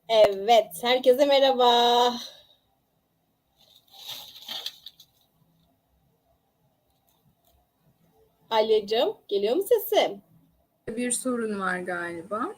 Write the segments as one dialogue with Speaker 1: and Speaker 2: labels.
Speaker 1: Evet, herkese merhaba. Alyacığım, geliyor mu sesim?
Speaker 2: Bir sorun var galiba.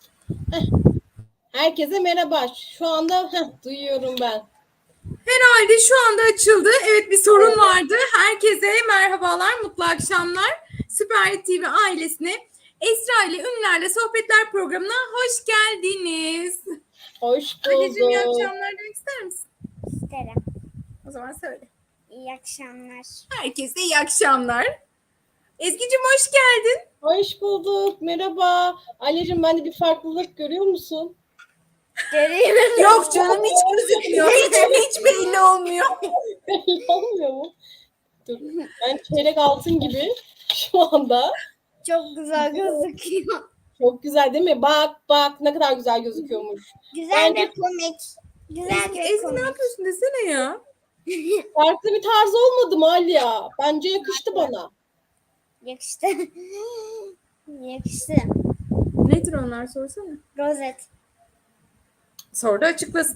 Speaker 1: Herkese merhaba. Şu anda duyuyorum ben.
Speaker 2: Herhalde şu anda açıldı. Evet, bir sorun vardı. Herkese merhabalar, mutlu akşamlar. Süper TV ailesine Esra ile Ünlülerle Sohbetler programına hoş geldiniz.
Speaker 1: Hoş
Speaker 2: Anneciğim, iyi
Speaker 1: bulduk.
Speaker 2: akşamlar demek ister misin?
Speaker 3: İsterim.
Speaker 2: O zaman söyle.
Speaker 3: İyi akşamlar.
Speaker 2: Herkese iyi akşamlar. Ezgi'cim hoş geldin.
Speaker 1: Hoş bulduk. Merhaba. Alyacığım, bende bir farklılık görüyor musun?
Speaker 3: Görüyorum.
Speaker 2: Yok canım, hiç gözükmüyor. Hiç belli olmuyor.
Speaker 1: Belli olmuyor mu? Dur. Ben çeyrek altın gibi şu anda.
Speaker 3: Çok güzel gözüküyor.
Speaker 1: Çok güzel değil mi? Bak ne kadar güzel gözüküyormuş.
Speaker 3: Güzel ve komik. Güzel ve
Speaker 2: Ezgi ne
Speaker 3: komik.
Speaker 2: yapıyorsun desene ya.
Speaker 1: Farklı bir tarz olmadı mı Alya? Bence yakıştı bana.
Speaker 3: Yakıştı. Yakıştı.
Speaker 2: Nedir onlar, sorsana.
Speaker 3: Rozet.
Speaker 2: Sor da açıklasın.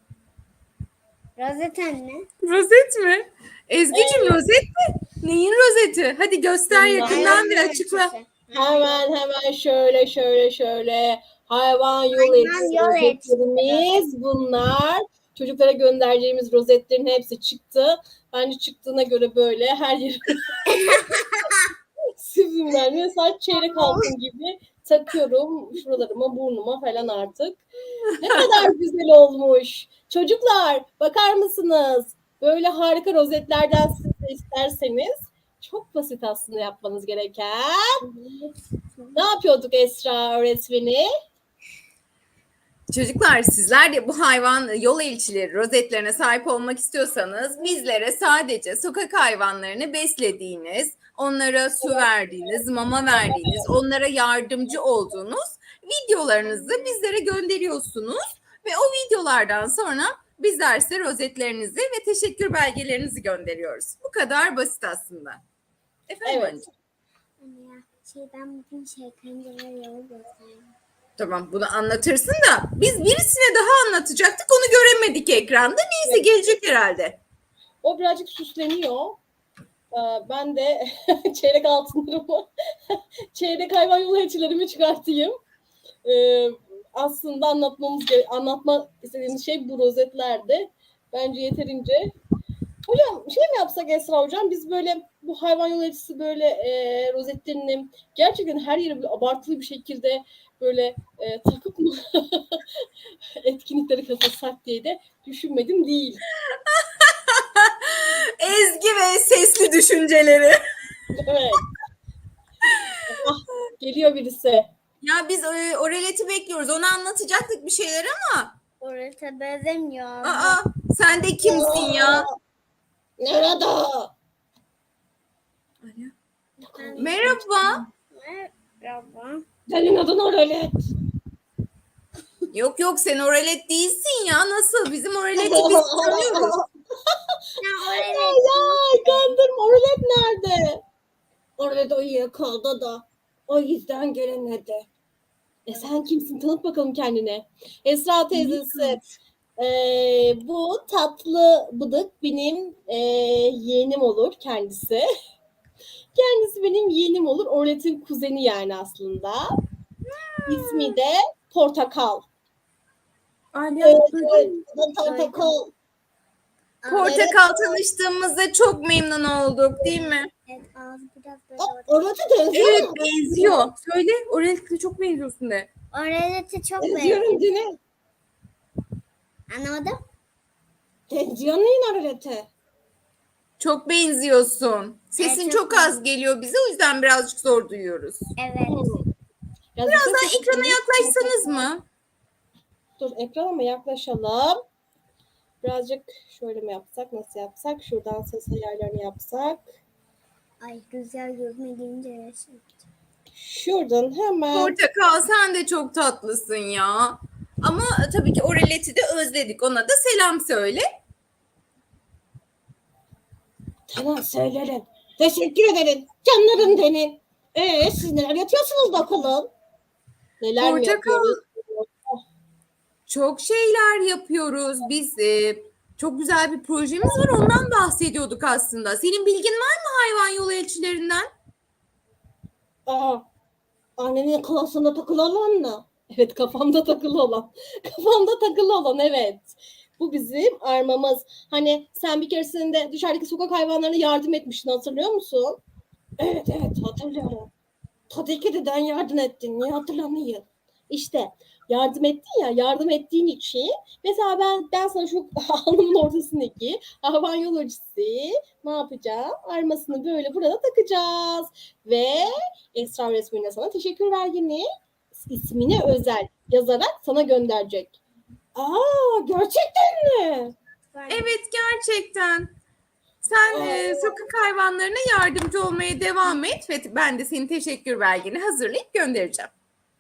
Speaker 3: Rozet anne.
Speaker 2: Rozet mi? Ezgi'cim, rozet mi? Neyin rozeti? Hadi göster yakından bir açıkla.
Speaker 1: Hemen şöyle hayvan yol
Speaker 3: Hayvan
Speaker 1: elçisi
Speaker 3: yol
Speaker 1: rozetlerimiz bunlar. Çocuklara göndereceğimiz rozetlerin hepsi çıktı. Bence çıktığına göre böyle her yeri süzümler. Mesela çeyrek altın gibi takıyorum şuralarıma, burnuma falan artık. Ne kadar güzel olmuş. Çocuklar, bakar mısınız? Böyle harika rozetlerden siz de isterseniz çok basit aslında yapmanız gereken. Ne yapıyorduk Esra öğretmeni?
Speaker 2: Çocuklar, sizler de bu hayvan yol elçileri rozetlerine sahip olmak istiyorsanız bizlere sadece sokak hayvanlarını beslediğiniz, onlara su verdiğiniz, mama verdiğiniz, onlara yardımcı olduğunuz videolarınızı bizlere gönderiyorsunuz ve o videolardan sonra bizler size rozetlerinizi ve teşekkür belgelerinizi gönderiyoruz. Bu kadar basit aslında. Efendim
Speaker 1: Evet.
Speaker 2: anneciğim?
Speaker 3: Anne ya, ben bugün kancalar yolu göstereyim.
Speaker 2: Tamam, bunu anlatırsın da biz birisine daha anlatacaktık, onu göremedik ekranda. Neyse, gelecek herhalde.
Speaker 1: O birazcık süsleniyor. Ben de çeyrek altınlarımı, çeyrek hayvan yolu elçilerimi çıkartayım. Aslında anlatmak istediğimiz şey bu rozetlerde. Bence yeterince. Hocam şey mi yapsak Esra hocam, biz böyle bu hayvan yolu elçisi böyle rozetlerini gerçekten her yere böyle abartılı bir şekilde böyle takıp mı etkinlikleri katılsak diye de düşünmedim değil.
Speaker 2: Ezgi ve sesli düşünceleri.
Speaker 1: Evet. Geliyor birisi.
Speaker 2: Ya biz o releti bekliyoruz. Onu anlatacaktık bir şeyler ama.
Speaker 3: Orada benzemiyor.
Speaker 2: Sen de kimsin ya?
Speaker 1: Nerede?
Speaker 2: Merhaba.
Speaker 3: Merhaba.
Speaker 1: Senin adın Oralet.
Speaker 2: Yok sen o relet değilsin ya. Nasıl? Bizim o releti biz tanıyoruz.
Speaker 1: Ya kandırma, Oralet nerede? Oralet uyuyakaldı da. O yüzden gelemedi. Sen kimsin? Tanıt bakalım kendine. Esra teyzesi. Bu tatlı bıdık benim yeğenim olur kendisi. Kendisi benim yeğenim olur. Oralet'in kuzeni yani aslında. İsmi de Portakal. Portakal.
Speaker 2: Portakal, tanıştığımızda çok memnun olduk, değil mi?
Speaker 3: Evet, ağzı biraz böyle.
Speaker 1: Oralet'e benziyor.
Speaker 2: Evet, benziyor. Söyle, o relete çok benziyorsun de.
Speaker 3: Orelete çok benziyor.
Speaker 1: Benziyorum Dine.
Speaker 3: Anlamadım.
Speaker 1: Benziyor neyin Oralet'e?
Speaker 2: Çok benziyorsun. Sesin
Speaker 3: Evet,
Speaker 2: çok az geliyor bize, o yüzden birazcık zor duyuyoruz.
Speaker 3: Evet.
Speaker 1: Ya
Speaker 2: Biraz
Speaker 1: zaten
Speaker 2: daha ekrana yaklaşsanız mı?
Speaker 1: Dur, ekrana mı yaklaşalım? Birazcık şöyle mi yapsak? Nasıl yapsak? Şuradan ses ayarlarını yapsak.
Speaker 3: Ay, güzel görmediğince
Speaker 1: Şuradan hemen.
Speaker 2: Portakal, sen de çok tatlısın ya. Ama tabii ki o releti de özledik. Ona da selam söyle.
Speaker 1: Tamam, söylerim. Teşekkür ederim. Canlarım benim. Siz neler yapıyorsunuz bakalım? Neler mi
Speaker 2: Portakal.
Speaker 1: yapıyoruz?
Speaker 2: çok şeyler yapıyoruz. Biz çok güzel bir projemiz var. Ondan bahsediyorduk aslında. Senin bilgin var mı hayvan yolu elçilerinden?
Speaker 1: Aa, annenin klasında takılı olan mı? Evet, kafamda takılı olan. Kafamda takılı olan, evet. Bu bizim armamız. Hani sen bir keresinde dışarıdaki sokak hayvanlarına yardım etmiştin, hatırlıyor musun? Evet evet, hatırlıyorum. Tabii ki deden yardım ettin. Niye hatırlamayayım? İşte yardım ettin ya, yardım ettiğin için mesela ben sana şu alnımın ortasındaki hayvan yolcusu ne yapacağım? Armasını böyle burada takacağız. Ve Esra resmine sana teşekkür belgeni ismine özel yazarak sana gönderecek. Aa, gerçekten mi?
Speaker 2: Evet, gerçekten. Sen sokak hayvanlarına yardımcı olmaya devam et ve ben de senin teşekkür belgeni hazırlayıp göndereceğim.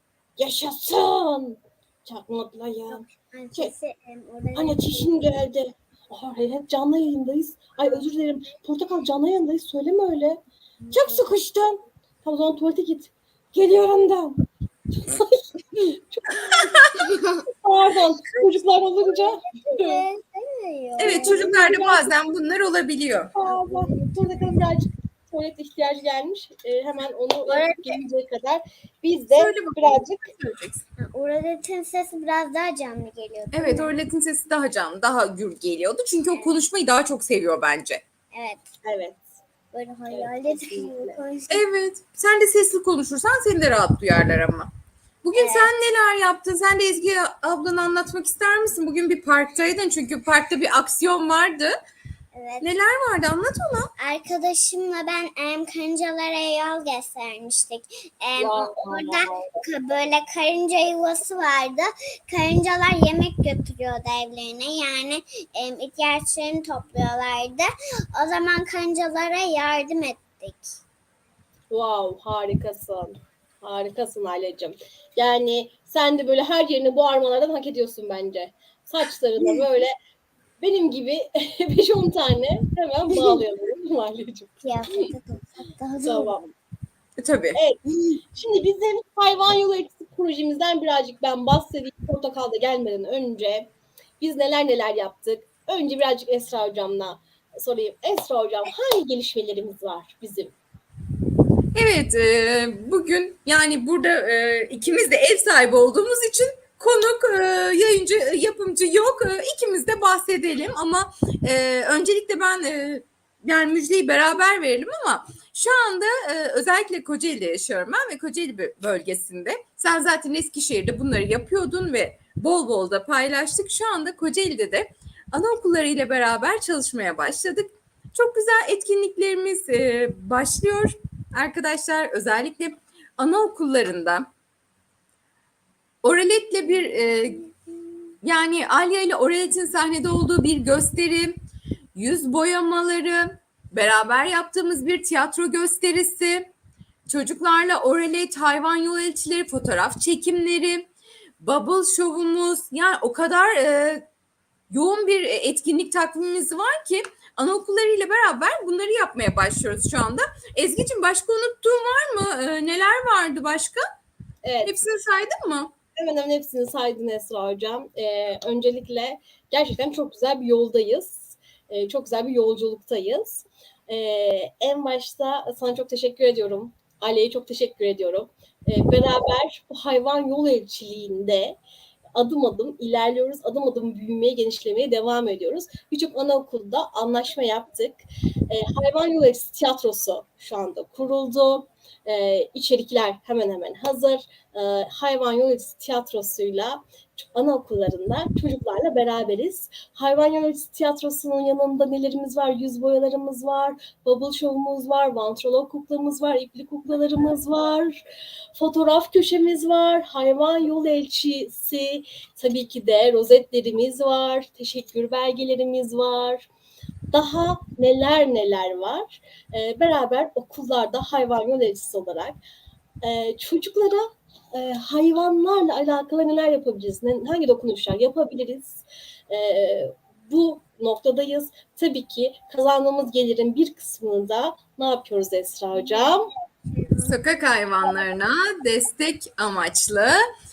Speaker 1: Yaşasın. Çok mutluyum.
Speaker 3: Annesi
Speaker 1: Anne çişin geldi. Aa, evet, canlı yayındayız. Ay, özür dilerim. Portakal, canlı yayındayız. Söyleme öyle. Çok sıkıştım. Tamam, o zaman tuvalete git. Geliyorum da. Çok pardon. Çocuklar olunca.
Speaker 2: Evet, çocuklarda bazen bunlar olabiliyor.
Speaker 1: Pardon. Portakal'ın birazcık tuvalet ihtiyacı gelmiş. Hemen onu gelinceye kadar biz de
Speaker 2: Söyle bakalım.
Speaker 1: birazcık
Speaker 2: Söyleyeceksin.
Speaker 3: Uraletin sesi biraz daha canlı geliyor. değil
Speaker 2: Evet,
Speaker 3: mi?
Speaker 2: Orlet'in sesi daha canlı, daha gür geliyordu. Çünkü o konuşmayı daha çok seviyor bence.
Speaker 3: Evet.
Speaker 1: evet.
Speaker 3: Böyle hayalet
Speaker 1: kesinlikle.
Speaker 3: konuşuyor.
Speaker 2: Evet, sen de sesli konuşursan seni de rahat duyarlar ama. Bugün
Speaker 3: Evet.
Speaker 2: sen neler yaptın? Sen de Ezgi ablanı anlatmak ister misin? Bugün bir parktaydın çünkü parkta bir aksiyon vardı.
Speaker 3: Evet.
Speaker 2: Neler vardı? Anlat ona.
Speaker 3: Arkadaşımla ben karıncalara yol göstermiştik. Orada böyle karınca yuvası vardı. Karıncalar yemek götürüyordu evlerine. Yani ihtiyaçlarını topluyorlardı. O zaman karıncalara yardım ettik.
Speaker 1: Wow, harikasın. Harikasın Aileciğim. Yani sen de böyle her yerini bu armalardan hak ediyorsun bence. Saçlarına böyle benim gibi 5-10 tane hemen bağlayalım Aileciğim.
Speaker 3: Kıyafete tutsak daha da olur.
Speaker 1: Tamam.
Speaker 2: Tabii.
Speaker 1: Evet. Şimdi bizim hayvan yolu elçisi projemizden birazcık ben bahsedeyim. Portakal'da gelmeden önce biz neler yaptık. Önce birazcık Esra Hocam'la sorayım. Esra Hocam, hangi gelişmelerimiz var bizim?
Speaker 2: Evet, bugün yani burada ikimiz de ev sahibi olduğumuz için konuk, yayıncı, yapımcı yok. İkimiz de bahsedelim ama öncelikle ben yani müjdeyi beraber verelim ama şu anda özellikle Kocaeli'de yaşıyorum ben ve Kocaeli bölgesinde. Sen zaten Eskişehir'de bunları yapıyordun ve bol bol da paylaştık. Şu anda Kocaeli'de de anaokulları ile beraber çalışmaya başladık. Çok güzel etkinliklerimiz başlıyor. Arkadaşlar, özellikle anaokullarında Oralet'le bir yani Alya ile Oralet'in sahnede olduğu bir gösteri, yüz boyamaları, beraber yaptığımız bir tiyatro gösterisi, çocuklarla Oralet, hayvan yol elçileri, fotoğraf çekimleri, bubble şovumuz, yani o kadar yoğun bir etkinlik takvimimiz var ki anaokullarıyla beraber bunları yapmaya başlıyoruz şu anda. Ezgi'cim, başka unuttuğum var mı? Neler vardı başka?
Speaker 1: Evet.
Speaker 2: Hepsini saydın mı?
Speaker 1: Hemen hepsini saydın Esra Hocam. Öncelikle gerçekten çok güzel bir yoldayız. Çok güzel bir yolculuktayız. En başta sana çok teşekkür ediyorum. Ali'ye çok teşekkür ediyorum. Beraber bu hayvan yol elçiliğinde adım adım ilerliyoruz. Adım adım büyümeye, genişlemeye devam ediyoruz. Birçok anaokulda anlaşma yaptık. Hayvan yol elçisi tiyatrosu şu anda kuruldu. İçerikler hemen hemen hazır. Hayvan yol elçisi tiyatrosuyla anaokullarında çocuklarla beraberiz. Hayvan yol elçisi tiyatrosunun yanında nelerimiz var? Yüz boyalarımız var, bubble show'umuz var, vantrolog kuklamız var, ipli kuklalarımız var, fotoğraf köşemiz var, hayvan yol elçisi, tabii ki de rozetlerimiz var, teşekkür belgelerimiz var. Daha neler var. Beraber okullarda hayvan yol elçisi olarak çocuklara hayvanlarla alakalı neler yapabiliriz? Hangi dokunuşlar yapabiliriz? Bu noktadayız. Tabii ki kazandığımız gelirin bir kısmını da ne yapıyoruz Esra Hocam?
Speaker 2: Sokak hayvanlarına destek amaçlı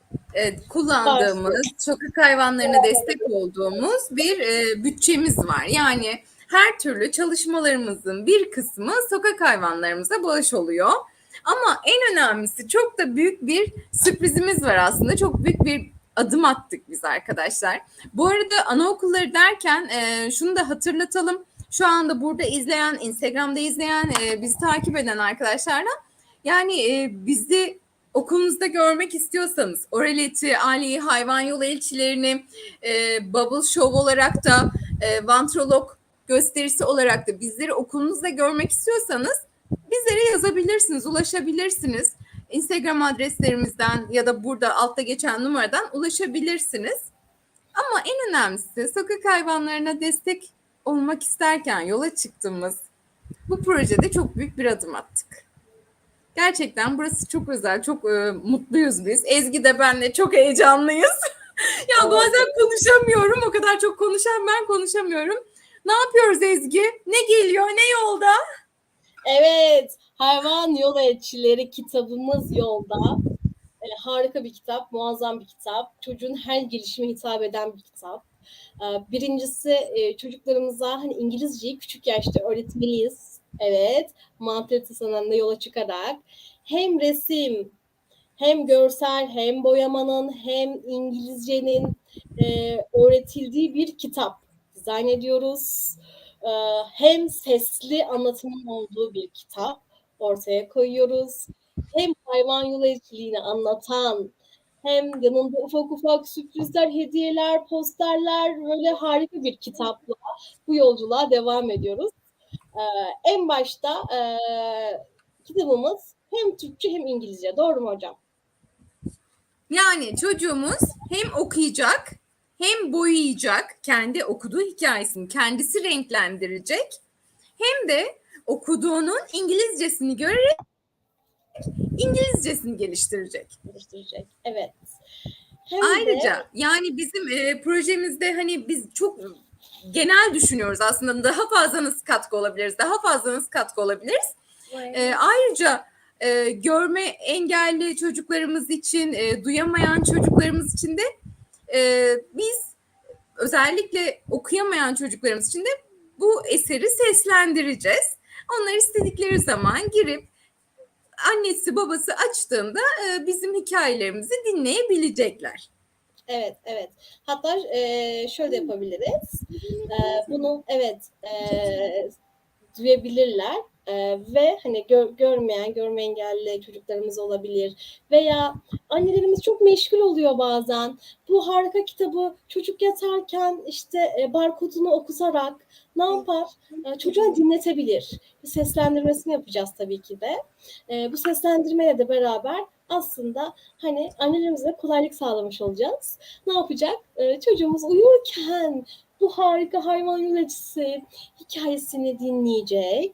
Speaker 2: kullandığımız, sokak hayvanlarına destek olduğumuz bir bütçemiz var. Yani her türlü çalışmalarımızın bir kısmı sokak hayvanlarımıza bağış oluyor. Ama en önemlisi çok da büyük bir sürprizimiz var aslında. Çok büyük bir adım attık biz arkadaşlar. Bu arada anaokulları derken şunu da hatırlatalım. Şu anda burada izleyen, Instagram'da izleyen, bizi takip eden arkadaşlarla yani bizi okulunuzda görmek istiyorsanız Oraleti, Ali, hayvan yolu elçilerini Bubble Show olarak da Vantrolog gösterisi olarak da bizleri okulunuzda görmek istiyorsanız bizlere yazabilirsiniz, ulaşabilirsiniz. Instagram adreslerimizden ya da burada altta geçen numaradan ulaşabilirsiniz. Ama en önemlisi sokak hayvanlarına destek olmak isterken yola çıktığımız bu projede çok büyük bir adım attık. Gerçekten burası çok özel, çok mutluyuz biz. Ezgi de benle çok heyecanlıyız. Ya bazen konuşamıyorum, o kadar çok konuşan ben konuşamıyorum. Ne yapıyoruz Ezgi? Ne geliyor, ne yolda?
Speaker 1: Evet, Hayvan Yol Elçileri kitabımız yolda. Harika bir kitap, muazzam bir kitap. Çocuğun her gelişime hitap eden bir kitap. Birincisi çocuklarımıza hani İngilizceyi küçük yaşta öğretmeliyiz. Evet, mantalitesinden de yola çıkarak hem resim, hem görsel, hem boyamanın, hem İngilizcenin öğretildiği bir kitap dizayn ediyoruz. Hem sesli anlatımın olduğu bir kitap ortaya koyuyoruz. Hem hayvan yolu elçiliğini anlatan, hem yanında ufak ufak sürprizler, hediyeler, posterler, böyle harika bir kitapla bu yolculuğa devam ediyoruz. En başta kitabımız hem Türkçe hem İngilizce. Doğru mu hocam?
Speaker 2: Yani çocuğumuz hem okuyacak, hem boyayacak, kendi okuduğu hikayesini kendisi renklendirecek, hem de okuduğunun İngilizcesini görerek İngilizcesini geliştirecek.
Speaker 1: Evet.
Speaker 2: Ayrıca yani bizim projemizde hani biz çok genel düşünüyoruz aslında, daha fazla nasıl katkı olabiliriz, daha fazla nasıl katkı olabiliriz. Ayrıca görme engelli çocuklarımız için, duyamayan çocuklarımız için de biz özellikle okuyamayan çocuklarımız için de bu eseri seslendireceğiz. Onlar istedikleri zaman girip annesi babası açtığında bizim hikayelerimizi dinleyebilecekler.
Speaker 1: Evet, evet. Hatta şöyle yapabiliriz. Bunu duyabilirler. Ve hani görme engelli çocuklarımız olabilir. Veya annelerimiz çok meşgul oluyor bazen. Bu harika kitabı çocuk yatarken işte barkodunu okutarak ne yapar? Çocuğa dinletebilir. Bir seslendirmesini yapacağız tabii ki de. Bu seslendirmeyle de beraber aslında hani annelerimize kolaylık sağlamış olacağız. Ne yapacak? Çocuğumuz uyurken bu harika hayvan yöneticisi hikayesini dinleyecek.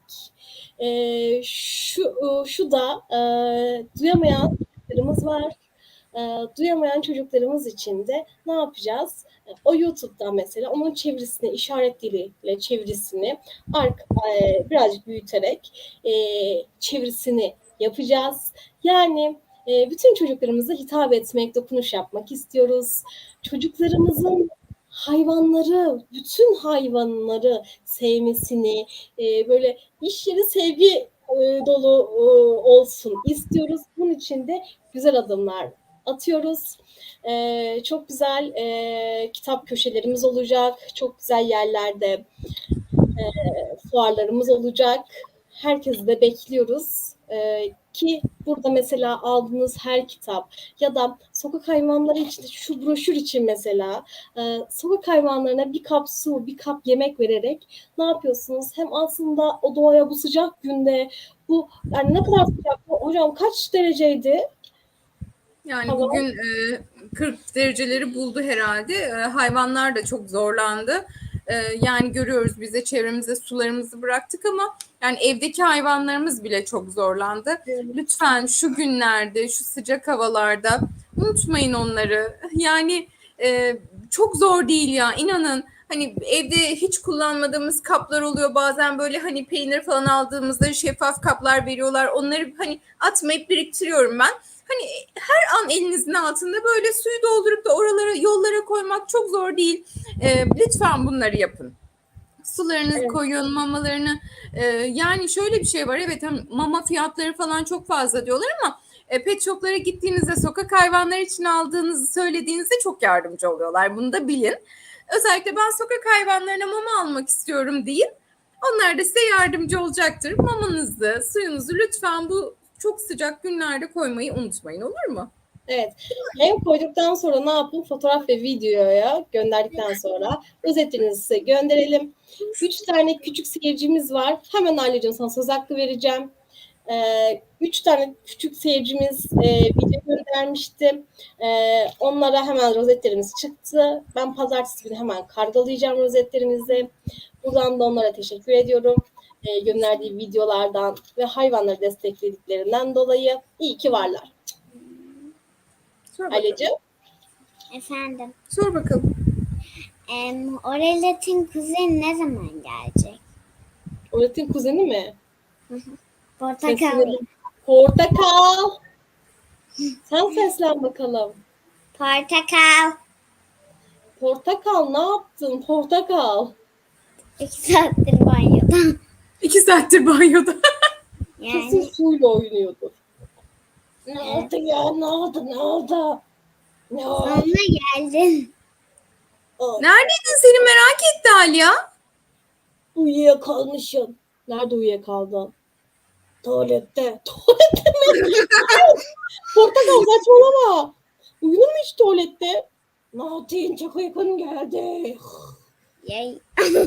Speaker 1: Şu da duyamayan çocuklarımız var. Duyamayan çocuklarımız için de ne yapacağız? O YouTube'dan mesela onun çevirisini, işaret diliyle çevirisini birazcık büyüterek çevirisini yapacağız. Yani bütün çocuklarımıza hitap etmek, dokunuş yapmak istiyoruz. Çocuklarımızın bütün hayvanları sevmesini, böyle iş yeri sevgi dolu olsun istiyoruz. Bunun için de güzel adımlar atıyoruz. Çok güzel kitap köşelerimiz olacak. Çok güzel yerlerde fuarlarımız olacak. Herkesi de bekliyoruz. Ki burada mesela aldığınız her kitap ya da sokak hayvanları için şu broşür için mesela sokak hayvanlarına bir kap su, bir kap yemek vererek ne yapıyorsunuz? Hem aslında o doğaya bu sıcak günde bu yani ne kadar sıcak? Hocam kaç dereceydi?
Speaker 2: Yani bugün 40 dereceleri buldu herhalde. Hayvanlar da çok zorlandı. Yani görüyoruz, bize çevremize sularımızı bıraktık ama yani evdeki hayvanlarımız bile çok zorlandı. Lütfen şu günlerde, şu sıcak havalarda unutmayın onları. Yani çok zor değil ya, inanın. Hani evde hiç kullanmadığımız kaplar oluyor. Bazen böyle hani peynir falan aldığımızda şeffaf kaplar veriyorlar. Onları hani atmayıp biriktiriyorum ben. Hani her an elinizin altında böyle suyu doldurup da oralara, yollara koymak çok zor değil. Lütfen bunları yapın. Sularınızı
Speaker 1: Evet.
Speaker 2: koyun, mamalarını. Yani şöyle bir şey var. Evet, mama fiyatları falan çok fazla diyorlar ama pet shoplara gittiğinizde sokak hayvanları için aldığınızı söylediğinizde çok yardımcı oluyorlar. Bunu da bilin. Özellikle ben sokak hayvanlarına mama almak istiyorum deyin. Onlar da size yardımcı olacaktır. Mamanızı, suyunuzu lütfen bu çok sıcak günlerde koymayı unutmayın, olur mu?
Speaker 1: Evet. Hem koyduktan sonra ne yapın? Fotoğraf ve videoya gönderdikten sonra rozetlerinizi size gönderelim. 3 tane küçük seyircimiz var. Hemen Aileciğim sana söz hakkı vereceğim. 3 tane küçük seyircimiz video göndermişti. Onlara hemen rozetlerimiz çıktı. Ben pazartesi günü hemen kargolayacağım rozetlerimizi. Buradan da onlara teşekkür ediyorum. Gönderdiği videolardan ve hayvanları desteklediklerinden dolayı iyi ki varlar.
Speaker 2: Sor bakalım.
Speaker 1: Aileciğim.
Speaker 3: Efendim.
Speaker 2: Sor bakalım.
Speaker 3: Orelet'in kuzeni ne zaman gelecek?
Speaker 1: Öğretin kuzeni mi?
Speaker 3: Portakal.
Speaker 1: Seslenelim. Portakal. Sen seslen bakalım.
Speaker 3: Portakal.
Speaker 1: Portakal ne yaptın? Portakal.
Speaker 3: 2 saattir banyoda.
Speaker 2: 2 saattir banyoda.
Speaker 1: Kesin
Speaker 3: Yani
Speaker 1: suyla oynuyordur. Ne
Speaker 3: Evet.
Speaker 1: oldu ya? Ne oldu? Ne oldu? Ne oldu?
Speaker 3: sonuna geldin.
Speaker 2: Neredeydin, seni merak etti Alya.
Speaker 1: Uyuyakalmışım. Nerede uyuyakaldın? Tuvalette. Tuvalette mi? Portakal saçmalama. Uyunur mu hiç tuvalette? Ne yapayım? Çok uykum geldi.
Speaker 3: Yay.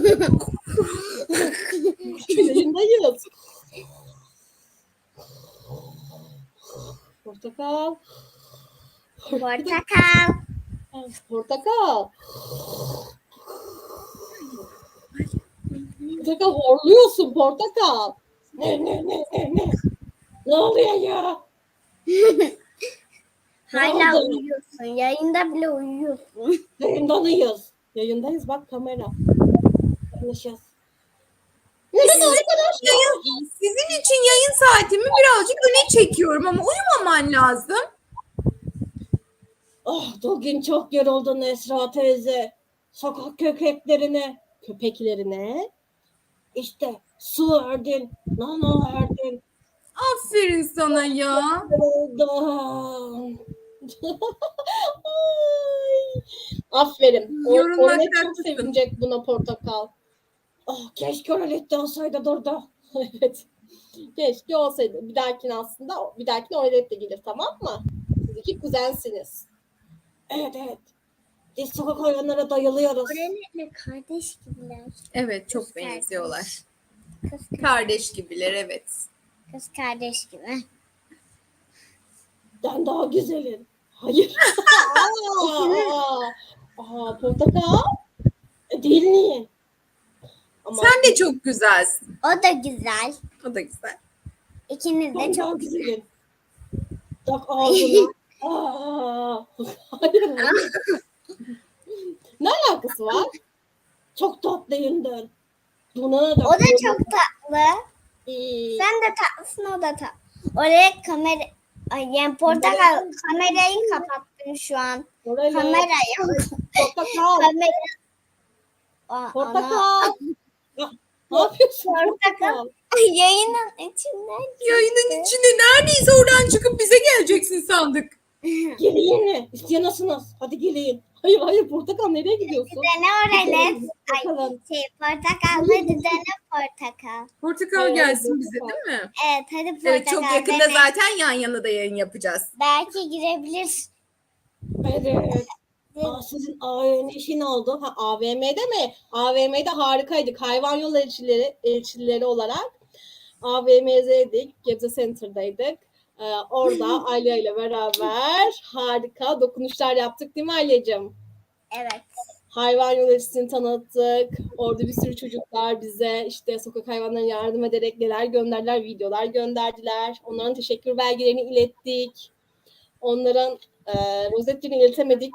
Speaker 1: Yayındayız. Portakal.
Speaker 3: Portakal.
Speaker 1: Portakal. Portakal horluyorsun Portakal. Ne? Ne oluyor ya?
Speaker 3: Hala
Speaker 1: oldu?
Speaker 3: uyuyorsun. Yayında bile uyuyorsun.
Speaker 1: Yayındayız. Yayındayız bak kamera. Konuşacağız. Evet arkadaşlar.
Speaker 2: Sizin için yayın saatimi birazcık öne çekiyorum ama uyumaman lazım.
Speaker 1: Bugün çok yoruldun Esra teyze. Sokak köpeklerine işte su verdin, nana verdin.
Speaker 2: Aferin sana ya.
Speaker 1: Yoruldum. Ay. Aferin.
Speaker 2: Yorulmaktan
Speaker 1: Ornet çok
Speaker 2: haklısın.
Speaker 1: sevinecek buna Portakal. Keşke Ornet de olsaydı burada. Evet. Keşke olsaydı. Bir dahakine Ornet de gelir, tamam mı? Siz iki kuzensiniz. Evet. Biz sokak hayvanlara dayalıyoruz.
Speaker 3: Orelet'le kardeş gibiler.
Speaker 2: Evet, çok
Speaker 3: Kız kardeş.
Speaker 2: benziyorlar.
Speaker 3: Kız
Speaker 2: Kardeş gibiler, evet.
Speaker 3: kardeş gibi.
Speaker 1: Ben daha güzelim. Hayır. Portakal. Değil mi? Ama
Speaker 2: Sen de çok güzelsin.
Speaker 3: O da güzel.
Speaker 2: O da güzel.
Speaker 3: İkiniz de
Speaker 1: ben daha
Speaker 3: çok
Speaker 1: güzelim. Tak ağzına. Hayır. Ne alakası var? Çok tatlıyımdır. Buna da
Speaker 3: O da çok tatlı.
Speaker 1: iyi.
Speaker 3: Sen de tatlısın, o da tatlı. Oraya yani Portakal kamerayı kapattın şu an.
Speaker 1: Oraya
Speaker 3: Kamera yok.
Speaker 1: Portakal.
Speaker 3: Kamera. Ana.
Speaker 1: Portakal. Ne yapıyorsun?
Speaker 3: Portakal. Yayının içinden.
Speaker 2: Yayının içinde neredeyse oradan çıkıp bize geleceksin sandık.
Speaker 1: Gelin. İstiyorsunuz. Hadi gelin. Hayır Portakal nereye gidiyorsun?
Speaker 3: Dene Orelet.
Speaker 1: Bakalım.
Speaker 3: Portakal. Hadi dene Portakal.
Speaker 2: Portakal
Speaker 1: Evet,
Speaker 2: gelsin bize,
Speaker 1: portakal.
Speaker 2: değil mi?
Speaker 3: Evet, hadi Portakal.
Speaker 2: Evet, çok yakında
Speaker 3: dene.
Speaker 2: zaten yan yana da yayın yapacağız.
Speaker 3: Belki girebilir.
Speaker 1: Evet. Sizin AVM işi ne oldu? AVM'de mi? AVM'de harikaydık. Hayvan yol elçileri olarak AVM'deydik. Gebze Center'daydık. Orada Alya ile beraber harika dokunuşlar yaptık, değil mi Alya'cığım?
Speaker 3: Evet.
Speaker 1: Hayvan yol elçisini tanıttık. Orada bir sürü çocuklar bize işte sokak hayvanlarına yardım ederek neler gönderdiler, videolar gönderdiler. Onların teşekkür belgelerini ilettik. Onların rozetlerini iletemedik,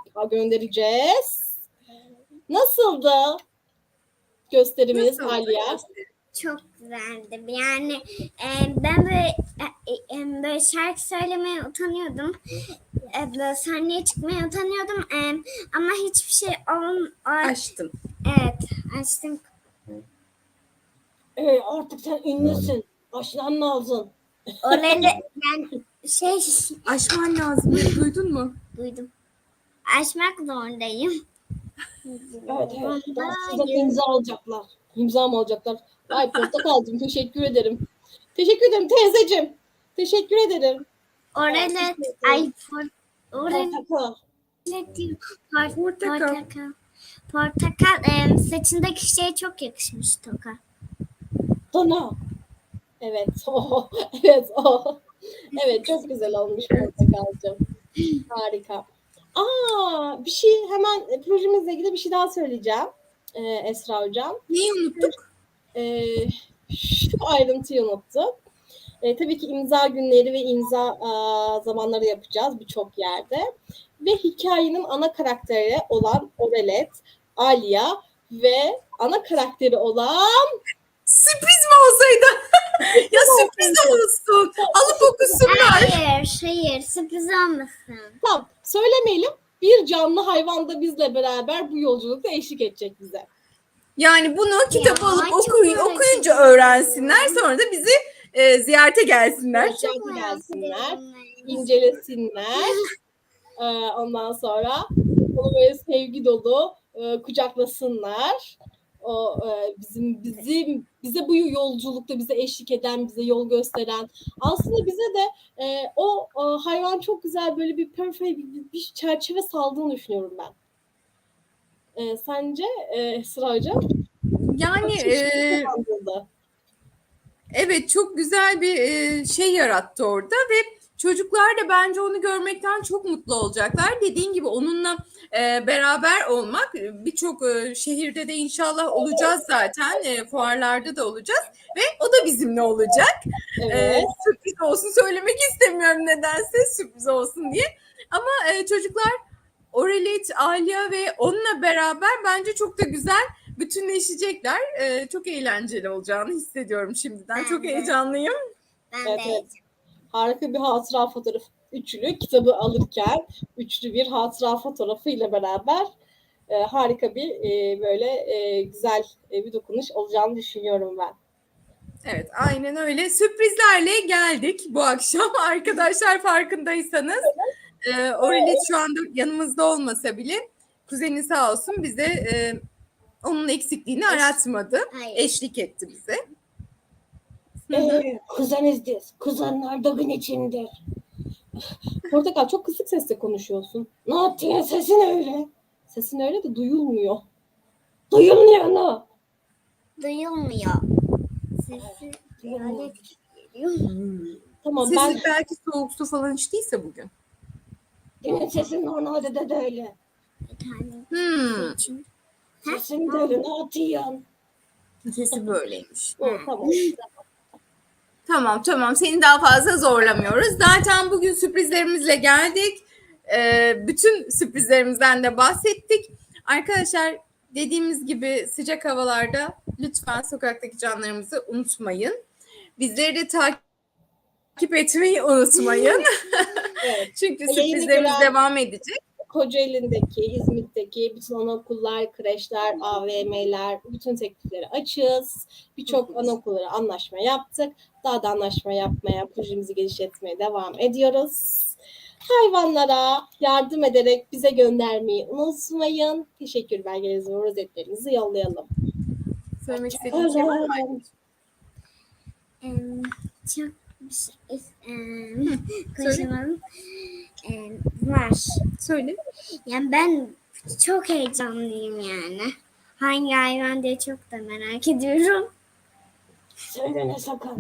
Speaker 1: göndereceğiz. Nasıldı gösterimiz
Speaker 2: Nasıl?
Speaker 1: Alya?
Speaker 3: çok güzeldi. Yani ben böyle şarkı söylemeye utanıyordum. Böyle sahneye çıkmaya utanıyordum. Ama hiçbir şey
Speaker 2: Açtın.
Speaker 3: Evet, açtım.
Speaker 1: Artık sen ünlüsün. Açman lazım.
Speaker 3: Orayla yani
Speaker 2: Açman lazım. Duydun mu?
Speaker 3: duydum. Açmak zorundayım.
Speaker 1: Evet. Daha sizden imza alacaklar. İmza mı alacaklar? Ay Portakalcığım teşekkür ederim. Teşekkür ederim teyzeciğim. Teşekkür ederim.
Speaker 3: Orayla
Speaker 1: Portakal.
Speaker 3: Portakal saçındaki şeye çok yakışmış Toka.
Speaker 1: Sana. Evet o. Evet o. Evet çok güzel olmuş Portakalcığım. Harika. Bir şey hemen projemizle ilgili bir şey daha söyleyeceğim. Esra Hocam.
Speaker 2: Neyi unuttuk?
Speaker 1: Şu ayrıntıyı unuttum. Tabii ki imza günleri ve imza zamanları yapacağız birçok yerde. Ve hikayenin ana karakteri olan Orelet, Alia ve ana karakteri olan...
Speaker 2: Sürpriz mi olsaydı? Ya sürpriz olsun. Alıp okusunlar.
Speaker 3: Hayır, sürpriz olmasın.
Speaker 1: Tamam, söylemeyelim. Bir canlı hayvan da bizle beraber bu yolculukta eşlik edecek bize.
Speaker 2: Yani bunu kitabı alıp
Speaker 3: çok
Speaker 2: okuyunca öğrensinler. Sonra da bizi ziyarete gelsinler.
Speaker 1: Ziyarete gelsinler, incelesinler. Ondan sonra onu böyle sevgi dolu kucaklasınlar. O bize bu yolculukta bize eşlik eden, bize yol gösteren, aslında bize de o hayvan çok güzel böyle bir perfect bir çerçeve saldığını düşünüyorum ben. Sence Esra Hocam?
Speaker 2: Yani evet çok güzel bir şey yarattı orada ve çocuklar da bence onu görmekten çok mutlu olacaklar. Dediğin gibi onunla beraber olmak birçok şehirde de inşallah olacağız zaten. Fuarlarda da olacağız ve o da bizimle olacak.
Speaker 1: Evet.
Speaker 2: Sürpriz olsun söylemek istemiyorum nedense sürpriz olsun diye. Ama çocuklar Orelit, Alia ve onunla beraber bence çok da güzel bütünleşecekler. Çok eğlenceli olacağını hissediyorum şimdiden.
Speaker 3: Ben
Speaker 2: Çok
Speaker 3: de.
Speaker 2: heyecanlıyım.
Speaker 3: Ben de.
Speaker 1: Evet. Harika bir hatıra fotoğrafı. Üçlü kitabı alırken üçlü bir hatıra fotoğrafıyla beraber harika bir böyle güzel bir dokunuş olacağını düşünüyorum ben.
Speaker 2: Evet, aynen öyle. Sürprizlerle geldik bu akşam. Arkadaşlar farkındaysanız Orelit şu anda yanımızda olmasa bile kuzeni sağ olsun bize onun eksikliğini aratmadı.
Speaker 3: Hayır.
Speaker 2: Eşlik etti bize.
Speaker 1: Kuzenizdir. Kuzenler dağın içindir. Portakal çok kısık sesle konuşuyorsun. Ne yaptın? Sesin öyle. Sesin öyle de duyulmuyor. Duyulmuyor ne?
Speaker 3: Duyulmuyor. Sesi böyle geliyor.
Speaker 1: Tamam
Speaker 2: Sesi belki soğuk su falan içtiyse bugün.
Speaker 1: Benim sesim normalde de öyle.
Speaker 3: Bir tane için.
Speaker 1: Sesim de öyle. Ne yapıyorsun?
Speaker 2: Sesi böyleymiş.
Speaker 1: Tamam.
Speaker 2: Tamam. Seni daha fazla zorlamıyoruz. Zaten bugün sürprizlerimizle geldik. Bütün sürprizlerimizden de bahsettik. Arkadaşlar dediğimiz gibi sıcak havalarda lütfen sokaktaki canlarımızı unutmayın. Bizleri de takip etmeyi unutmayın.
Speaker 1: Evet.
Speaker 2: Çünkü sürprizlerimiz devam edecek.
Speaker 1: Kocaeli'ndeki, İzmit'teki bütün anaokullar, kreşler, AVM'ler, bütün teklifleri açığız. Birçok anaokullara anlaşma yaptık. Daha da anlaşma yapmaya, projemizi genişletmeye devam ediyoruz. Hayvanlara yardım ederek bize göndermeyi unutmayın. Teşekkür belgelerinizi ve rozetlerinizi yollayalım.
Speaker 2: Söylemek istediğim şey var mı?
Speaker 3: Çok konuşamadım. Var.
Speaker 2: Söyle.
Speaker 3: Yani ben çok heyecanlıyım yani. Hangi hayvan diye çok da merak ediyorum.
Speaker 1: Söyle ne sakın.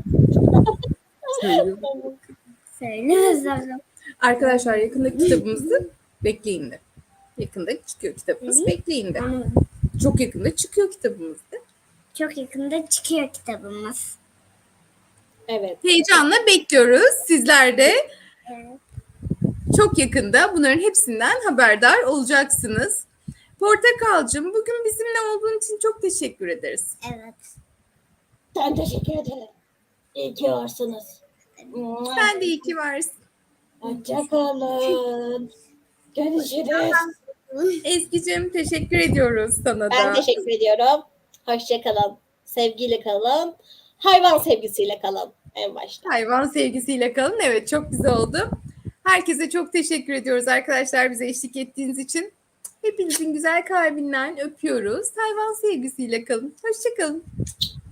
Speaker 3: Söyle zaten.
Speaker 2: Arkadaşlar yakında kitabımızı bekleyin de. Yakında çıkıyor kitabımız. Bekleyin de. Çok yakında çıkıyor kitabımız da.
Speaker 3: Çok yakında çıkıyor kitabımız.
Speaker 1: Evet.
Speaker 2: Heyecanla bekliyoruz. Sizler de
Speaker 3: Evet.
Speaker 2: çok yakında bunların hepsinden haberdar olacaksınız. Portakalcığım bugün bizimle olduğun için çok teşekkür ederiz.
Speaker 3: Evet.
Speaker 1: Ben teşekkür ederim. İyi ki varsınız.
Speaker 2: Sen de iyi ki varsın.
Speaker 1: Hoşçakalın. Görüşürüz.
Speaker 2: Ezgi'cim teşekkür ediyoruz sana
Speaker 1: Ben
Speaker 2: da.
Speaker 1: teşekkür ediyorum. Hoşçakalın. Sevgiyle kalın. Hayvan sevgisiyle kalın en başta.
Speaker 2: Hayvan sevgisiyle kalın. Evet, çok güzel oldu. Herkese çok teşekkür ediyoruz arkadaşlar bize eşlik ettiğiniz için. Hepinizin güzel kalbinden öpüyoruz. Hayvan sevgisiyle kalın. Hoşçakalın.